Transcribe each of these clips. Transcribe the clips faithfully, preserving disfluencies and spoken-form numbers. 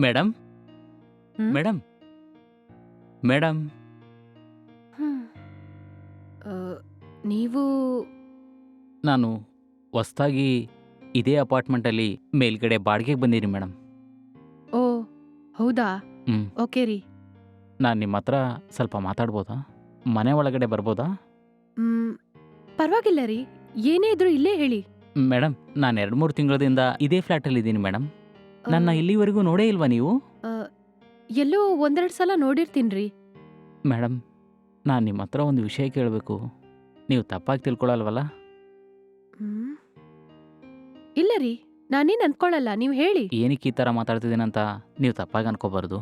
Madam hmm? Madam madam hmm. ಆ, ನೀವು ನಾನು ಹೊಸ್ದಾಗಿ ಇದೇ ಅಪಾರ್ಟ್ಮೆಂಟಲ್ಲಿ ಮೇಲ್ಗಡೆ ಬಾಡಿಗೆಗೆ ಬಂದೀನಿ ಮೇಡಮ್. ಓ ಹೌದಾ? ಹ್ಞೂ ಓಕೆ ರೀ. ನಾನು ನಿಮ್ಮ ಹತ್ರ ಸ್ವಲ್ಪ ಮಾತಾಡ್ಬೋದಾ? ಮನೆ ಒಳಗಡೆ ಬರ್ಬೋದಾ? ಹ್ಮ್, ಪರವಾಗಿಲ್ಲ ರೀ. ಏನೇ ಇದ್ರೂ ಇಲ್ಲೇ ಹೇಳಿ. ಮೇಡಮ್ ನಾನು ಎರಡು ಮೂರು ತಿಂಗಳದಿಂದ ಇದೇ ಫ್ಲ್ಯಾಟಲ್ಲಿ ಇದ್ದೀನಿ ಮೇಡಮ್. ಆ, ನನ್ನ ಇಲ್ಲಿವರೆಗೂ ನೋಡೇ ಇಲ್ವಾ ನೀವು? ಆ, ಎಲ್ಲೋ ಒಂದೆರಡು ಸಲ ನೋಡಿರ್ತೀನ್ರಿ. ಮೇಡಮ್ ನಾನು ನಿಮ್ಮ ಹತ್ರ ಒಂದು ವಿಷಯ ಕೇಳಬೇಕು. ನೀವು ತಪ್ಪಾಗಿ ತಿಳ್ಕೊಳಲ್ವಲ್ಲ? ಹ್ಮ್. ಇಲ್ಲ ರೀ, ನಾನೇನ್ ಅನ್ಕೊಳಲ್ಲ, ನೀವು ಹೇಳಿ. ಏನಕ್ಕೆ ಈ ಥರ ಮಾತಾಡ್ತಿದ್ದೀನಂತ ನೀವು ತಪ್ಪಾಗಿ ಅನ್ಕೋಬಾರ್ದು.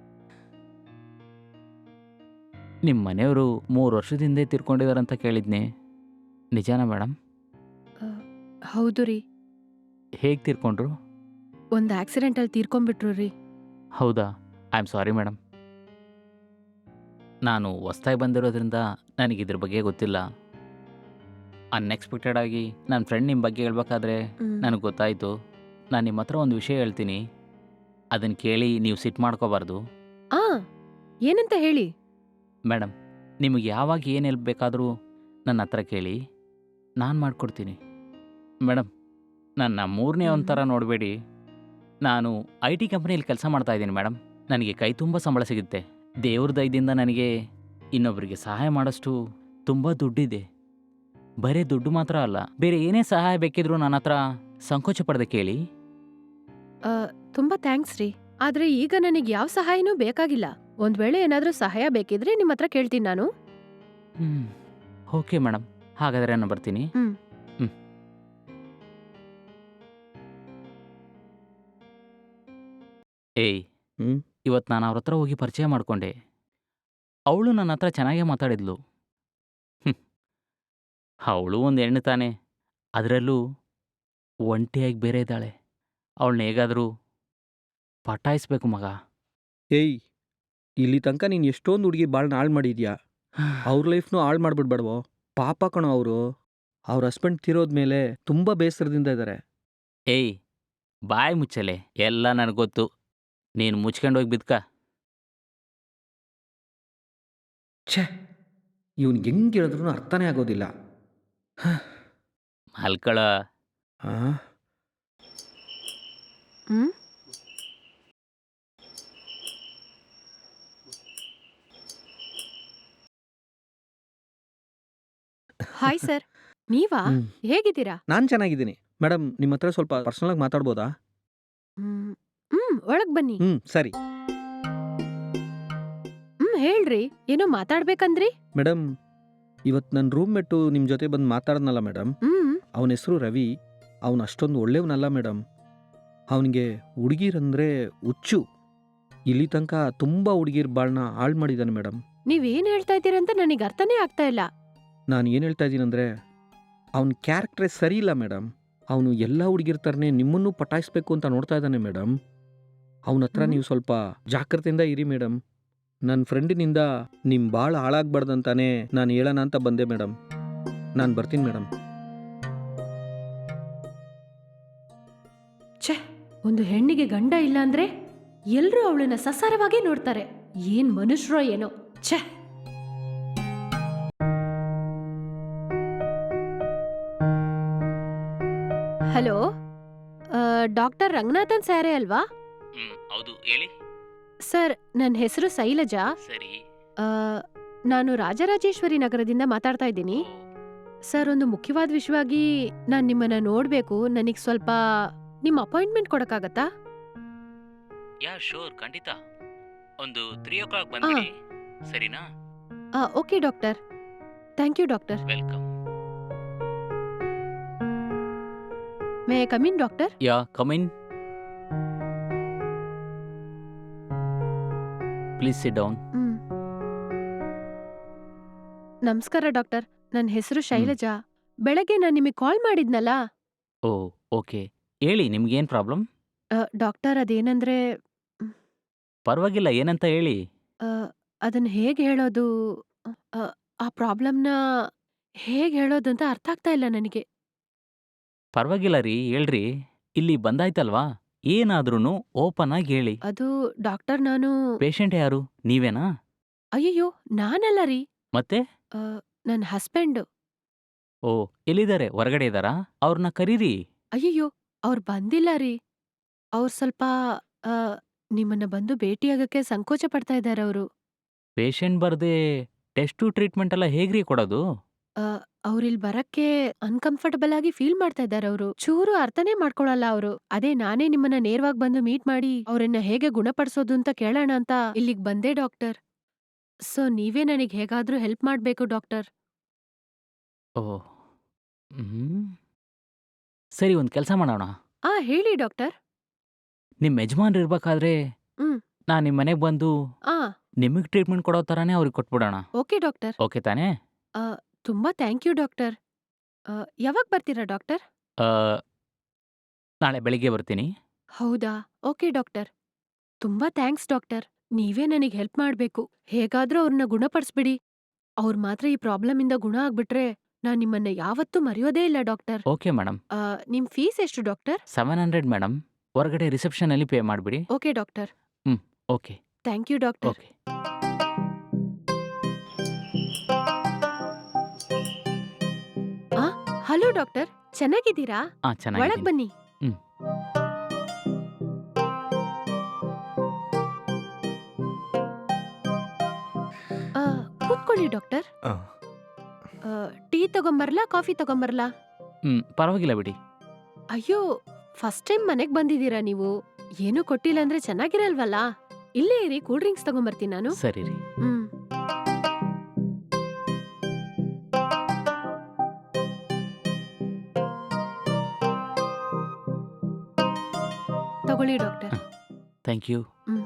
ನಿಮ್ಮ ಮನೆಯವರು ಮೂರು ವರ್ಷದ ಹಿಂದೆ ತೀರ್ಕೊಂಡಿದಾರಂತ ಕೇಳಿದ್ನೆ, ನಿಜಾನಾ ಮೇಡಮ್? ಆ, ಹೌದು ರೀ. ಹೇಗೆ ತೀರ್ಕೊಂಡ್ರು? ಒಂದು ಆಕ್ಸಿಡೆಂಟಲ್ಲಿ ತೀರ್ಕೊಂಡ್ಬಿಟ್ರು ರೀ. ಹೌದಾ? I am sorry madam. ನಾನು ಹೊಸ್ದಾಗಿ ಬಂದಿರೋದ್ರಿಂದ ನನಗೆ ಇದ್ರ ಬಗ್ಗೆ ಗೊತ್ತಿಲ್ಲ. ಅನ್ಎಕ್ಸ್ಪೆಕ್ಟೆಡ್ ಆಗಿ ನನ್ನ ಫ್ರೆಂಡ್ ನಿಮ್ಮ ಬಗ್ಗೆ ಹೇಳ್ಬೇಕಾದ್ರೆ ಹ್ಮ್. ನನಗೆ ಗೊತ್ತಾಯಿತು. ನಾನು ನಿಮ್ಮ ಹತ್ರ ಒಂದು ವಿಷಯ ಹೇಳ್ತೀನಿ, ಅದನ್ನು ಕೇಳಿ ನೀವು ಸಿಟ್ಟು ಮಾಡ್ಕೋಬಾರ್ದು. ಆ ಏನಂತ ಹೇಳಿ. ಮೇಡಮ್ ನಿಮಗೆ ಯಾವಾಗ ಏನು ಹೆಲ್ಪ್ ಬೇಕಾದರೂ ನನ್ನ ಹತ್ರ ಕೇಳಿ, ನಾನು ಮಾಡಿಕೊಡ್ತೀನಿ. ಮೇಡಮ್ ನನ್ನ ಮೂರನೇ ಹ್ಮ್. ಒಂಥರ ನೋಡಬೇಡಿ. ನಾನು ಐ ಟಿ ಕಂಪ್ನಿಯಲ್ಲಿ ಕೆಲಸ ಮಾಡ್ತಾ ಇದ್ದೀನಿ ಮೇಡಮ್. ನನಗೆ ಕೈ ತುಂಬ ಸಂಬಳ ಸಿಗುತ್ತೆ. ದೇವ್ರ ದಯದಿಂದ ನನಗೆ ಇನ್ನೊಬ್ಬರಿಗೆ ಸಹಾಯ ಮಾಡೋಷ್ಟು ತುಂಬ ದುಡ್ಡಿದೆ. ಬರೀ ದುಡ್ಡು ಮಾತ್ರ ಅಲ್ಲ, ಬೇರೆ ಏನೇ ಸಹಾಯ ಬೇಕಿದ್ರೂ ನನ್ನ ಹತ್ರ ಸಂಕೋಚ ಪಡದೆ ಕೇಳಿ. ಆ, ತುಂಬಾ ಥ್ಯಾಂಕ್ಸ್ ರೀ. ಆದ್ರೆ ಈಗ ನನಗೆ ಯಾವ ಸಹಾಯನೂ ಬೇಕಾಗಿಲ್ಲ. ಒಂದ್ ವೇಳೆ ಏನಾದ್ರೂ ಸಹಾಯ ಬೇಕಿದ್ರೆ ನಿಮ್ಮ ಹತ್ರ ಕೇಳ್ತೀನಿ ನಾನು. ಹ್ಞೂ ಓಕೆ ಮೇಡಮ್, ಹಾಗಾದರೆ ನಾನು ಬರ್ತೀನಿ. ಹ್ಮ್. ಹ್ಞೂ ಏಯ್ ಹ್ಞೂ ಇವತ್ತು ನಾನು ಅವ್ರ ಹತ್ರ ಹೋಗಿ ಪರಿಚಯ ಮಾಡಿಕೊಂಡೆ. ಅವಳು ನನ್ನ ಹತ್ರ ಚೆನ್ನಾಗೇ ಮಾತಾಡಿದ್ಲು. ಹ್ಞೂ ಅವಳು ಒಂದು ಹೆಣ್ಣು ತಾನೆ, ಅದರಲ್ಲೂ ಒಂಟಿಯಾಗಿ ಬೇರೆ ಇದ್ದಾಳೆ. ಅವಳನ್ನ ಹೇಗಾದರೂ ಪಟಾಯಿಸ್ಬೇಕು ಮಗ. ಏಯ್, ಇಲ್ಲಿ ತನಕ ನೀನು ಎಷ್ಟೊಂದು ಹುಡುಗಿ ಬಾಳ್ನ ಹಾಳು ಮಾಡಿದ್ಯಾ. ಅವ್ರ ಲೈಫ್ನು ಹಾಳು ಮಾಡ್ಬಿಡ್ಬೇಡವೋ. ಪಾಪ ಕಣೋ ಅವರು. ಅವ್ರ ಹಸ್ಬೆಂಡ್ ತೀರೋದ್ಮೇಲೆ ತುಂಬ ಬೇಸರದಿಂದ ಇದ್ದಾರೆ. ಏಯ್ ಬಾಯ್ ಮುಚ್ಚಲೆ, ಎಲ್ಲ ನನಗೆ ಗೊತ್ತು. ನೀನು ಮುಚ್ಕೊಂಡು ಹೋಗಿ ಬಿದ್ಕ. ಛೇ, ಇವ್ನಿಗೆ ಹೆಂಗೆ ಹೇಳಿದ್ರು ಅರ್ಥನೇ ಆಗೋದಿಲ್ಲ. ಮಲ್ಕಳ. ಹಾಂ ಹ್ಮ್. ಹಾಯ್ ಸರ್, ನೀವಾ? ಹ್ಞೂ ಹೇಗಿದ್ದೀರಾ? ನಾನು ಚೆನ್ನಾಗಿದ್ದೀನಿ. ಮೇಡಮ್ ನಿಮ್ಮ ಹತ್ರ ಸ್ವಲ್ಪ ಪರ್ಸ್ನಲಾಗಿ ಮಾತಾಡ್ಬೋದಾ? ಹ್ಮ್. ಹ್ಮ್, ಒಳಗ್ ಬನ್ನಿ. ಹ್ಞೂ ಸರಿ. ಹ್ಮ್, ಹೇಳ್ರಿ. ಏನೋ ಮಾತಾಡ್ಬೇಕಂದ್ರಿ? ಮೇಡಮ್, ಇವತ್ತು ನನ್ನ ರೂಮ್ಮೇಟು ನಿಮ್ಮ ಜೊತೆ ಬಂದು ಮಾತಾಡ್ನಲ್ಲ ಮೇಡಮ್, ಹ್ಮ್. ಅವನ ಹೆಸರು ರವಿ. ಅವನು ಅಷ್ಟೊಂದು ಒಳ್ಳೆಯವನಲ್ಲ ಮೇಡಮ್. ಅವನಿಗೆ ಹುಡುಗಿರಂದರೆ ಹುಚ್ಚು. ಇಲ್ಲಿ ತನಕ ತುಂಬ ಹುಡುಗಿರ್ ಬಾಳ್ನ ಹಾಳು ಮಾಡಿದ್ದಾನೆ ಮೇಡಮ್. ನೀವೇನ್ ಹೇಳ್ತಾ ಇದ್ದೀರಂತ ನನಗೆ ಅರ್ಥನೇ ಆಗ್ತಾ ಇಲ್ಲ. ನಾನು ಏನು ಹೇಳ್ತಾ ಇದ್ದೀನಂದರೆ, ಅವನ ಕ್ಯಾರೆಕ್ಟ್ರೇ ಸರಿ ಇಲ್ಲ ಮೇಡಮ್. ಅವನು ಎಲ್ಲ ಹುಡುಗಿರ್ ಥರನೇ ನಿಮ್ಮನ್ನು ಪಟಾಯಿಸ್ಬೇಕು ಅಂತ ನೋಡ್ತಾ ಇದ್ದಾನೆ ಮೇಡಮ್. ಅವನ ಹತ್ರ ಹ್ಮ್. ನೀವು ಸ್ವಲ್ಪ ಜಾಗ್ರತೆಯಿಂದ ಇರಿ ಮೇಡಮ್. ನನ್ನ ಫ್ರೆಂಡಿನಿಂದ ನಿಮ್ಮ ಭಾಳ ಹಾಳಾಗ್ಬಾರ್ದಂತಾನೆ ನಾನು ಹೇಳೋಣ ಅಂತ ಬಂದೆ ಮೇಡಮ್. ನಾನು ಬರ್ತೀನಿ ಮೇಡಮ್. ಛೆ, ಒಂದು ಹೆಣ್ಣಿಗೆ ಗಂಡ ಇಲ್ಲ ಅಂದ್ರೆ ಎಲ್ರೂ ಅವಳನ್ನ ಸಸಾರವಾಗಿ ನೋಡ್ತಾರೆ. ಏನ್ ಮನುಷ್ಯರೋ ಏನೋ. ಛೆ. ಹಲೋ, ಡಾಕ್ಟರ್ ರಂಗನಾಥನ್ ಸ್ಯಾರೇ ಅಲ್ವಾ? ಹ್ಞೂ ಹೌದು, ಹೇಳಿ. ಸರ್, ನನ್ನ ಹೆಸರು ಶೈಲಜಾ. ಸರಿ. ಆ, ನಾನು ರಾಜರಾಜೇಶ್ವರಿ ನಗರದಿಂದ ಮಾತಾಡ್ತಾ ಇದ್ದೀನಿ. ಸರ್, ಒಂದು ಮುಖ್ಯವಾದ ವಿಷಯವಾಗಿ ನಾನು ನಿಮ್ಮನ್ನ ನೋಡ್ಬೇಕು. ನನಗೆ ಸ್ವಲ್ಪ ನಿಮ್ಮ ಅಪಾಯಿಂಟ್ಮೆಂಟ್ ಕೊಡಕ್ಕಾಗತ್ತಾ? ಯಾ ಶೋರ್, ಖಂಡಿತ. ಒಂದು ತ್ರೀ ಓ ಕ್ಲಾಕ್ ಬಂದ್ಬಿಡಿ, ಸರಿನಾ? ಆ, okay doctor. Thank you doctor. Welcome. May I come in doctor? Yeah come in. Please sit down. Hmm. ನಮಸ್ಕಾರ ಡಾಕ್ಟರ್, ನನ್ನ ಹೆಸರು ಶೈಲಜಾ. ಬೆಳಗ್ಗೆ ನಾನು ನಿಮಗೆ ಕಾಲ್ ಮಾಡಿದ್ನಲ್ಲ. ಓ ಓಕೆ, ಹೇಳಿ ನಿಮ್ಗೇನು ಪ್ರಾಬ್ಲಮ್? ಆ, ಡಾಕ್ಟರ್, ಅದೇನಂದ್ರೆ ಮ್, ಪರವಾಗಿಲ್ಲ, ಏನಂತ ಹೇಳಿ. ಆ, ಅದನ್ನ ಹೇಗೆ ಹೇಳೋದು? ಆ, ಆ ಪ್ರಾಬ್ಲಮ್ನ ಹೇಗೆ ಹೇಳೋದು ಅಂತ ಅರ್ಥ ಆಗ್ತಾ ಇಲ್ಲ ನನಗೆ. ಪರವಾಗಿಲ್ಲ ರೀ, ಹೇಳ್ರಿ. ಇಲ್ಲಿ ಬಂದಾಯ್ತಲ್ವಾ? ಏನಾದ್ರೂ ಓಪನ್ ಆಗಿ ಹೇಳಿ. ಅದು ಡಾಕ್ಟರ್ ನಾನು ಪೇಷಂಟ್ ಯಾರು? ನೀವೇನಾ? ಅಯ್ಯಯ್ಯೋ ನಾನಲ್ಲ ರೀ. ಮತ್ತೆ? ಆ, ನನ್ ಹಸ್ಬೆಂಡ್. ಓ, ಎಲ್ಲಿದ್ದಾರೆ? ಹೊರಗಡೆ ಇದ್ದಾರಾ? ಅವ್ರನ್ನ ಕರೀರಿ. ಅಯ್ಯಯ್ಯೋ ಅವ್ರು ಬಂದಿಲ್ಲ ರೀ. ಅವ್ರು ಸ್ವಲ್ಪ ಆ, ನಿಮ್ಮನ್ನ ಬಂದು ಭೇಟಿಯಾಗಕ್ಕೆ ಸಂಕೋಚ ಪಡ್ತಾ ಇದ್ದಾರೆ ಅವರು. ಪೇಷಂಟ್ ಬರ್ದೆ ಟೆಸ್ಟು ಟ್ರೀಟ್ಮೆಂಟ್ ಎಲ್ಲ ಹೇಗ್ರಿ ಕೊಡೋದು? ಅವ್ರಿಲ್ ಬರಕ್ಕೆ ಅನ್ಕಂಫರ್ಟಬಲ್ ಆಗಿ ಫೀಲ್ ಮಾಡ್ತಾ ಇದ್ದಾರೆ ಅವರು. ಚೂರು ಅರ್ಥನೇ ಮಾಡ್ಕೊಳಲ್ಲ ಅವರು. ಅದೇ ನಾನೇ ನಿಮ್ಮನ್ನ ನೇರವಾಗಿ ಬಂದು ಮೀಟ್ ಮಾಡಿ ಅವ್ರನ್ನ ಹೇಗೆ ಗುಣಪಡಿಸೋದು ಅಂತ ಕೇಳೋಣ ಅಂತ ಇಲ್ಲಿಗ್ ಬಂದೆ ಡಾಕ್ಟರ್. ಸೊ ನೀವೇ ನನಗ್ ಹೇಗಾದ್ರೂ ಹೆಲ್ಪ್ ಮಾಡ್ಬೇಕು ಡಾಕ್ಟರ್. ಓ, ಹ್ಮ್. ಸರಿ, ಒಂದು ಕೆಲಸ ಮಾಡೋಣ. ಆ ಹೇಳಿ ಡಾಕ್ಟರ್. ನಿಮ್ಮ ಯಜಮಾನ್ರು ಇರ್ಬೇಕಾದ್ರೆ ಹ್ಮ್. ನಾನು ನಿಮ್ಮ ಮನೆಗೆ ಬಂದು ಆ ನಿಮಗೆ ಟ್ರೀಟ್ಮೆಂಟ್ ಕೊಡೋ ಥರನೇ ಅವ್ರಿಗೆ ಕೊಟ್ಬಿಡೋಣ. Okay doctor. ಓಕೆ ತಾನೇ? ಆ, ತುಂಬಾ ಥ್ಯಾಂಕ್ ಯು ಡಾಕ್ಟರ್. ಆ, ಯಾವಾಗ ಬರ್ತೀರಾ ಡಾಕ್ಟರ್? ಆ, ನಾಳೆ ಬೆಳಿಗ್ಗೆ ಬರ್ತೀನಿ. ಹೌದಾ? Okay doctor. ತುಂಬಾ ಥ್ಯಾಂಕ್ಸ್ ಡಾಕ್ಟರ್. ನೀವೇ ನನಗ್ ಹೆಲ್ಪ್ ಮಾಡ್ಬೇಕು. ಹೇಗಾದ್ರೂ ಅವ್ರನ್ನ ಗುಣಪಡಿಸ್ಬಿಡಿ. ಅವ್ರ್ ಮಾತ್ರ ಈ ಪ್ರಾಬ್ಲಮ್ ಇಂದ ಗುಣ ಆಗ್ಬಿಟ್ರೆ ನಾನ್ ನಿಮ್ಮನ್ನ ಯಾವತ್ತೂ ಮರೆಯೋದೇ ಇಲ್ಲ ಡಾಕ್ಟರ್. Okay madam. ಆ, ನಿಮ್ ಫೀಸ್ ಎಷ್ಟು ಡಾಕ್ಟರ್? Seven hundred madam. ಹೊರಗಡೆ ರಿಸೆಪ್ಷನಲ್ಲಿ ಪೇ ಮಾಡಿಬಿಡಿ. Okay doctor. Okay. Thank you doctor. Okay. ಆ, ಹಲೋ ಡಾಕ್ಟರ್. ಚೆನ್ನಾಗಿದ್ದೀರಾ? ಹಾಂ, ಒಳಗ್ ಚೆನ್ನಾಗಿದ್ದೀನಿ. ಬನ್ನಿ. ಹ್ಮ್. ಆ, ಕೂತ್ಕೊಳ್ಳಿ ಡಾಕ್ಟರ್. ಆ, ಆ, ಟೀ ತಗೊಂಬರ್ಲಾ ಕಾಫಿ ತಗೊಂಬರ್ಲಾ? ಹ್ಮ್, ಪರವಾಗಿಲ್ಲ ಬಿಡಿ. ಅಯ್ಯೋ, ಫಸ್ಟ್ ಟೈಮ್ ಮನೆಗ್ ಬಂದಿದ್ದೀರಾ ನೀವು. ಏನೂ ಕೊಟ್ಟಿಲ್ಲ ಅಂದ್ರೆ ಚೆನ್ನಾಗಿರಲ್ವಲ್ಲ. ಇಲ್ಲೇ ಇರಿ, ಕೂಲ್ ಡ್ರಿಂಕ್ಸ್ ತಗೊಂಬರ್ತೀನಿ ನಾನು. ಸರಿ ರೀ. ಹ್ಮ್. ತಗೊಳ್ಳಿ doctor. Thank you. Hmm.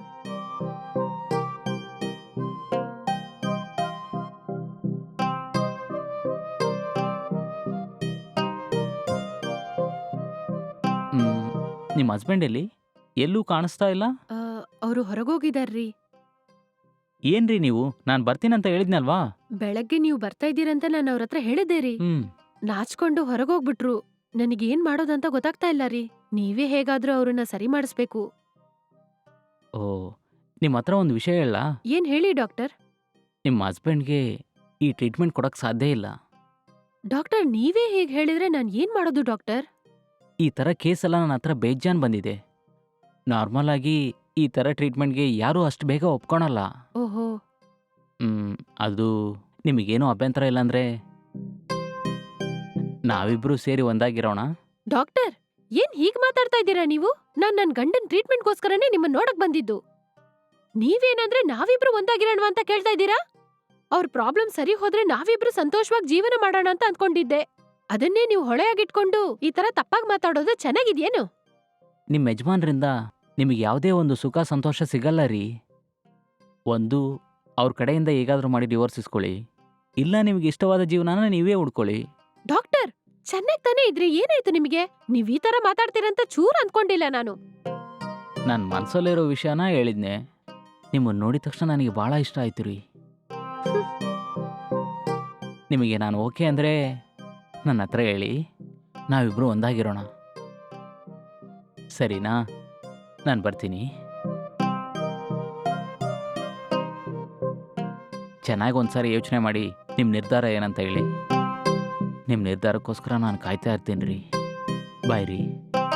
Hmm, ನಿಮ್ಮ ಹಸ್ಬೆಂಡ್ ಎಲ್ಲಿ? ಎಲ್ಲೂ ಕಾಣಿಸ್ತಾ ಇಲ್ಲ. ಆ, ಅವ್ರು ಹೊರಗೋಗಿದಾರ್ರಿ. ಏನ್ರಿ ನೀವು? ನಾನು ಬರ್ತೀನಂತ ಹೇಳಿದ್ನಲ್ವಾ? ಬೆಳಗ್ಗೆ ನೀವು ಬರ್ತಾ ಇದ್ದೀರಂತ ನಾನು ಅವ್ರ ಹತ್ರ ಹೇಳಿದ್ದೆ ರೀ. ಹ್ಮ್. ನಾಚ್ಕೊಂಡು ಹೊರಗೋಗ್ಬಿಟ್ರು. ನನಗೇನ್ ಮಾಡೋದಂತ ಗೊತ್ತಾಗ್ತಾ ಇಲ್ಲ ರೀ. ನೀವೇ ಹೇಗಾದ್ರೂ ಅವ್ರನ್ನ ಸರಿ ಮಾಡಿಸ್ಬೇಕು. ಓ, ನಿಮ್ಮ ಹತ್ರ ಒಂದು ವಿಷಯ ಹೇಳ. ಏನ್ ಹೇಳಿ ಡಾಕ್ಟರ್. ನಿಮ್ಮ ಹಸ್ಬೆಂಡ್ಗೆ ಈ ಟ್ರೀಟ್ಮೆಂಟ್ ಕೊಡಕ್ಕೆ ಸಾಧ್ಯ ಇಲ್ಲ. ಡಾಕ್ಟರ್ ನೀವೇ ಹೀಗ್ ಹೇಳಿದ್ರೆ ನಾನ್ ಏನ್ ಮಾಡೋದು ಡಾಕ್ಟರ್? ಈ ಥರ ಕೇಸೆಲ್ಲ ನನ್ನ ಹತ್ರ ಬೇಜಾನ್ ಬಂದಿದೆ. ನಾರ್ಮಲ್ ಆಗಿ ಈ ಥರ ಟ್ರೀಟ್ಮೆಂಟ್ಗೆ ಯಾರೂ ಅಷ್ಟು ಬೇಗ ಒಪ್ಕೊಳಲ್ಲ. ಓಹೋ. ಹ್ಮ್, ಅದು ನಿಮಗೇನೂ ಅಭ್ಯಂತರ ಇಲ್ಲಾಂದ್ರೆ ನಾವಿಬ್ರು ಸೇರಿ ಒಂದಾಗಿರೋಣ. ಡಾಕ್ಟರ್ ಏನ್ ಹೀಗ್ ಮಾತಾಡ್ತಾ ಇದ್ದೀರಾ ನೀವು? ನಾನ್ ನನ್ ಗಂಡನ್ ಟ್ರೀಟ್ಮೆಂಟ್ಗೋಸ್ಕರನೇ ನಿಮ್ಮನ್ನ ನೋಡಕ್ ಬಂದಿದ್ದು. ನೀವೇನಂದ್ರೆ ನಾವಿಬ್ರು ಒಂದಾಗಿರೋಣ ಅಂತ ಕೇಳ್ತಾ ಇದ್ದೀರಾ? ಅವ್ರ ಪ್ರಾಬ್ಲಮ್ ಸರಿ ಹೋದ್ರೆ ನಾವಿಬ್ರು ಸಂತೋಷವಾಗಿ ಜೀವನ ಮಾಡೋಣ ಅಂತ ಅಂದ್ಕೊಂಡಿದ್ದೆ. ಅದನ್ನೇ ನೀವು ಹೊಳೆಯಾಗಿಟ್ಕೊಂಡು ಈ ತರ ತಪ್ಪಾಗಿ ಮಾತಾಡೋದು ಚೆನ್ನಾಗಿದ್ಯೇನು? ನಿಮ್ಮ ಯಜಮಾನ್ರಿಂದ ನಿಮಗೆ ಯಾವುದೇ ಒಂದು ಸುಖ ಸಂತೋಷ ಸಿಗಲ್ಲ ರೀ. ಒಂದು ಅವ್ರ ಕಡೆಯಿಂದ ಹೇಗಾದರೂ ಮಾಡಿ ಡಿವೋರ್ಸ್ ಇಸ್ಕೊಳ್ಳಿ, ಇಲ್ಲ ನಿಮಗೆ ಇಷ್ಟವಾದ ಜೀವನನ ನೀವೇ ಹುಡ್ಕೊಳ್ಳಿ. ಡಾಕ್ಟರ್ ಚೆನ್ನಾಗ್ ತಾನೇ ಇದ್ರಿ, ಏನಾಯ್ತು ನಿಮಗೆ? ನೀವ್ ಈ ತರ ಮಾತಾಡ್ತೀರಂತ ಚೂರ್ ಅನ್ಕೊಂಡಿಲ್ಲ ನಾನು. ನನ್ನ ಮನಸ್ಸಲ್ಲಿರೋ ವಿಷಯನ ಹೇಳಿದ್ನೆ. ನಿಮ್ಮನ್ನು ನೋಡಿದ ತಕ್ಷಣ ನನಗೆ ಭಾಳ ಇಷ್ಟ ಆಯ್ತು ರೀ. ನಿಮಗೆ ನಾನು ಓಕೆ ಅಂದರೆ ನನ್ನ ಹತ್ರ ಹೇಳಿ, ನಾವಿಬ್ರು ಒಂದಾಗಿರೋಣ. ಸರಿನಾ? ನಾನು ಬರ್ತೀನಿ. ಚೆನ್ನಾಗಿ ಒಂದ್ಸಾರಿ ಯೋಚನೆ ಮಾಡಿ ನಿಮ್ಮ ನಿರ್ಧಾರ ಏನಂತ ಹೇಳಿ. ನಿಮ್ಮ ನಿರ್ಧಾರಕ್ಕೋಸ್ಕರ ನಾನು ಕಾಯ್ತಾ ಇರ್ತೀನಿ ರೀ. ಬಾಯ್ ರೀ.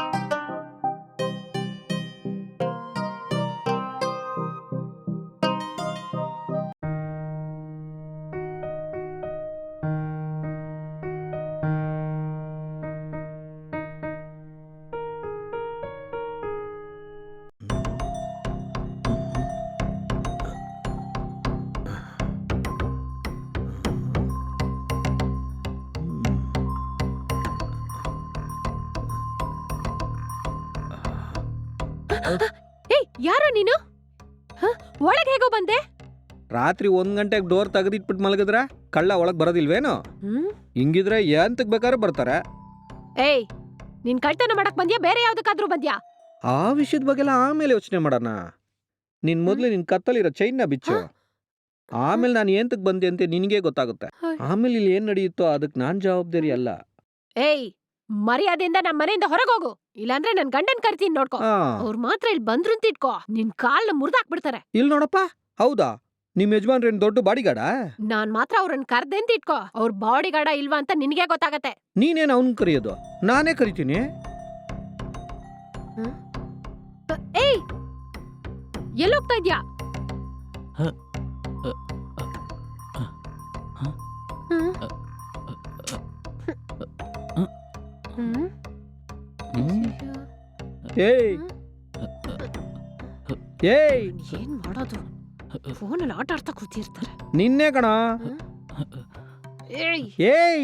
ಏಯ್ ಯಾರೋ ನೀನು? ಹ? ಒಳಗ್ ಹೇಗೋ ಬಂದೆ? ರಾತ್ರಿ ಒಂದ್ ಗಂಟೆಗೆ ಡೋರ್ ತೆಗೆದಿಟ್ಬಿಟ್ಟು ಮಲಗಿದ್ರ ಕಳ್ಳ ಒಳಗ್ ಬರೋದಿಲ್ವೇನು? ಹ್ಮ್? ಹಿಂಗಿದ್ರೆ ಎಂತಕ್ ಬೇಕಾದ್ರೆ ಬರ್ತಾರೆ. ಏಯ್ ನೀನ್ ಕಳ್ತನ ಮಾಡಕ್ ಬಂದ್ಯಾ ಬೇರೆ ಯಾವ್ದಕ್ಕಾದ್ರೂ ಬಂದ್ಯಾ? ಆ ವಿಷಯದ ಬಗ್ಗೆಲ್ಲ ಆಮೇಲೆ ಯೋಚನೆ ಮಾಡೋಣ. ನಿನ್ ಮೊದ್ಲು ನಿನ್ ಕತ್ತಲಿರೋ ಚೈನ್ನ ಬಿಚ್ಚು. ಆಮೇಲೆ ನಾನು ಏಂತಕ್ ಬಂದೆ ಅಂತ ನಿನಗೆ ಗೊತ್ತಾಗುತ್ತೆ. ಹಾಯ್. ಆಮೇಲೆ ಇಲ್ಲಿ ಏನ್ ನಡೆಯುತ್ತೋ ಅದಕ್ಕೆ ನಾನ್ ಜವಾಬ್ದಾರಿ ಅಲ್ಲ. ಏಯ್ ಮರ್ಯಾದೆಯಿಂದ ನಮ್ಮ ಮನೆಯಿಂದ ಹೊರಗೋಗು, ಇಲ್ಲಾಂದ್ರೆ ನನ್ ಗಂಡನ್ ಕರಿತೀನಿ ನೋಡ್ಕೋ. ಆ, ಅವ್ರು ಮಾತ್ರ ಇಲ್ಲಿ ಬಂದ್ರು ಅಂತ ಇಟ್ಕೋ, ನಿನ್ ಕಾಲ್ನ ಮುರ್ದಾಕ್ಬಿಡ್ತಾರೆ. ಇಲ್ ನೋಡಪ್ಪ. ಹೌದಾ? ನಿಮ್ ಯಜಮಾನ್ರೇನ್ ದೊಡ್ಡ ಬಾಡಿಗಾಡ? ನಾನ್ ಮಾತ್ರ ಅವ್ರನ್ನ ಕರ್ದೆ ಅಂತ ಇಟ್ಕೋ, ಅವ್ರ ಬಾಡಿ ಗಾರ್ಡ ಇಲ್ವಾ ಅಂತ ನಿನ್ಗೆ ಗೊತ್ತಾಗತ್ತೆ. ನೀನೇನ್ ಅವ್ನ್ ಕರೆಯೋದು? ನಾನೇ ಕರಿತೀನಿ. ಏಯ್, ಎಲ್ಲೋಗ್ತಾ ಇದ್ಯಾ? ಹ, ಅ, ಅ, ಹ, ಹ್ಮ್? ಅ, ಹ್ಮ್? ಹ್ಮ್, ಏಯ್ ಏಯ್ ಏನ್ ಮಾಡೋದು? ಫೋನಲ್ಲಿ ಆಟ ಆಡ್ತಾ ಕೂತಿರ್ತಾರೆ. ನಿನ್ನೆ ಕಣ. ಏಯ್, ಏಯ್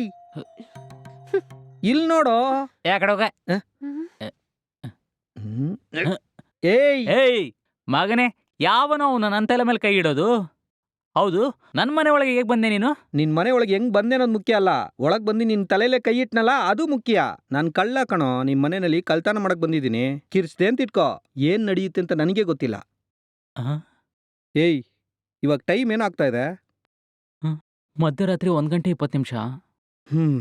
ಇಲ್ ನೋಡೋ. ಯಾ ಕಡೆ ಹೋಗ? ಹ್ಮ್? ಹ್ಮ್. ಏಯ್ ಏಯ್ ಮಗನೇ, ಯಾವನೋ ಅವನು ನನ್ನ ತಲೆ ಮೇಲೆ ಕೈ ಇಡೋದು? ಹೌದು, ನನ್ನ ಮನೆ ಒಳಗೆ ಹೇಗೆ ಬಂದೆ ನೀನು? ನಿನ್ ಮನೆ ಒಳಗೆ ಹೆಂಗ್ ಬಂದೆ ಅನ್ನೋದು ಮುಖ್ಯ ಅಲ್ಲ, ಒಳಗ್ ಬಂದು ನಿನ್ ತಲೆಲೆ ಕೈ ಇಟ್ನಲ್ಲ ಅದು ಮುಖ್ಯ. ನಾನ್ ಕಳ್ಳ ಕಣೋ, ನಿಮ್ ಮನೆಯಲ್ಲಿ ಕಳ್ತನ ಮಾಡಕ್ ಬಂದಿದ್ದೀನಿ. ಕಿರ್ಸ್ದೆ ಅಂತ ಇಟ್ಕೋ. ಏನ್ ನಡೆಯುತ್ತೆ ಅಂತ ನನಗೆ ಗೊತ್ತಿಲ್ಲ. ಆ? ಏಯ್ ಇವಾಗ ಟೈಮ್ ಏನಾಗ್ತಾ ಇದೆ? ಮಧ್ಯರಾತ್ರಿ ಒಂದ್ ಗಂಟೆ ಇಪ್ಪತ್ತು ನಿಮಿಷ. ಹ್ಮ್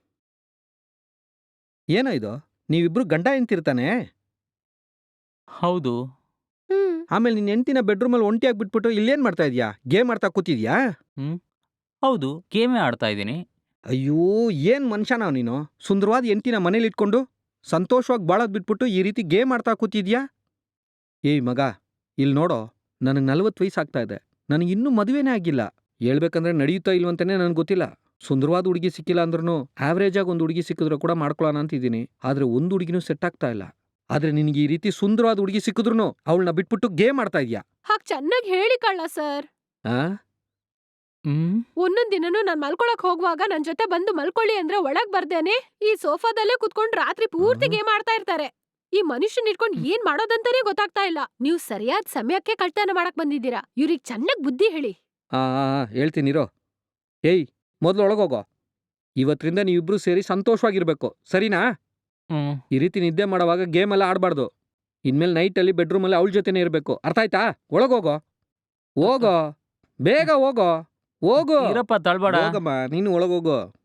ಏನೋ ಇದು? ನೀವಿಬ್ರು ಗಂಡ ಹೆಂಡ್ತಿರ್ತಾನೆ? ಹೌದು. ಹ್ಮ್. ಆಮೇಲೆ ನಿನ್ ಹೆಂಡ್ತಿನ ಬೆಡ್ರೂಮಲ್ಲಿ ಒಂಟಿಯಾಗಿ ಬಿಟ್ಬಿಟ್ಟು ಇಲ್ಲೇನ್ ಮಾಡ್ತಾ ಇದೀಯಾ? ಗೇಮ್ ಆಡ್ತಾ ಕೂತಿದ್ಯಾ? ಹ್ಮ್ ಹೌದು, ಗೇಮೇ ಆಡ್ತಾ ಇದ್ದೀನಿ. ಅಯ್ಯೋ ಏನ್ ಮನುಷ್ಯನ ನೀನು? ಸುಂದರವಾದ ಹೆಂಡ್ತಿನ ಮನೇಲಿ ಇಟ್ಕೊಂಡು ಸಂತೋಷವಾಗಿ ಬಾಳೋದ್ ಬಿಟ್ಬಿಟ್ಟು ಈ ರೀತಿ ಗೇಮ್ ಆಡ್ತಾ ಕೂತಿದ್ಯಾ? ಏಯ್ ಮಗ, ಇಲ್ಲಿ ನೋಡೋ, ನನಗೆ ನಲ್ವತ್ತು ವಯಸ್ಸಾಗ್ತಾ ಇದೆ. ನನಗೆ ಇನ್ನೂ ಮದುವೆನೇ ಆಗಿಲ್ಲ. ಹೇಳ್ಬೇಕಂದ್ರೆ ನಡೆಯುತ್ತಾ ಇಲ್ವಂತಾನೆ ನನಗೆ ಗೊತ್ತಿಲ್ಲ. ಸುಂದರವಾದ ಹುಡುಗಿ ಸಿಕ್ಕಿಲ್ಲ ಅಂದ್ರೂ ಆವ್ರೇಜ್ ಆಗಿ ಒಂದು ಹುಡುಗಿ ಸಿಕ್ಕಿದ್ರು ಕೂಡ ಮಾಡ್ಕೊಳ್ಳೋಣ ಅಂತಿದ್ದೀನಿ. ಆದ್ರೆ ಒಂದು ಹುಡುಗಿನೂ ಸೆಟ್ ಆಗ್ತಾ ಇಲ್ಲ. ಆದ್ರೆ ನಿನಗೆ ಈ ರೀತಿ ಸುಂದರವಾದ ಹುಡುಗಿ ಸಿಕ್ಕಿದ್ರು ಅವಳನ್ನ ಬಿಟ್ಬಿಟ್ಟು ಗೇಮ್ ಆಡ್ತಾ ಇದೀಯಾ? ಹಾಗ್ ಚೆನ್ನಾಗಿ ಹೇಳಿ ಕಳ್ಳ ಸರ್. ಆ? ಹ್ಮ್ ಒಂದೊಂದ್ ದಿನನೂ ನಾನ್ ಮಲ್ಕೊಳಕ್ ಹೋಗುವಾಗ ನನ್ ಜೊತೆ ಬಂದು ಮಲ್ಕೊಳ್ಳಿ ಅಂದ್ರೆ ಒಳಗ್ ಬರ್ದೇನೆ ಈ ಸೋಫಾದಲ್ಲೇ ಕುತ್ಕೊಂಡ್ ರಾತ್ರಿ ಪೂರ್ತಿ ಹ್ಮ್. ಗೇಮ್ ಆಡ್ತಾ ಇರ್ತಾರೆ. ಈ ಮನುಷ್ಯನ್ ಇಟ್ಕೊಂಡ್ ಏನ್ ಮಾಡೋದಂತಾನೆ ಗೊತ್ತಾಗ್ತಾ ಇಲ್ಲ. ನೀವು ಸರಿಯಾದ ಸಮಯಕ್ಕೆ ಕಳ್ತನ ಮಾಡಕ್ ಬಂದಿದ್ದೀರಾ. ಇವ್ರಿಗ್ ಚೆನ್ನಾಗ್ ಬುದ್ಧಿ ಹೇಳಿ. ಆ ಆ, ಆ, ಹೇಳ್ತೀನಿರೋ. ಏಯ್ ಮೊದಲು ಒಳಗೋಗೋ. ಇವತ್ತರಿಂದ ನೀವಿಬ್ರು ಸೇರಿ ಸಂತೋಷವಾಗಿರ್ಬೇಕು, ಸರಿನಾ? ಹ್ಮ್ ಈ ರೀತಿ ನಿದ್ದೆ ಮಾಡೋವಾಗ ಗೇಮ್ ಎಲ್ಲ ಆಡಬಾರ್ದು. ಇನ್ಮೇಲೆ ನೈಟಲ್ಲಿ ಬೆಡ್ರೂಮಲ್ಲಿ ಅವಳ ಜೊತೆನೇ ಇರಬೇಕು, ಅರ್ಥ ಆಯ್ತಾ? ಒಳಗೋಗೋ, ಹೋಗೋ, ಬೇಗ ಹೋಗೋ, ಹೋಗೋ. ಇರಪ್ಪ, ತಳ್ಬೇಡ. ಹೋಗಮ್ಮ, ನೀನು ಒಳಗೋಗೋ.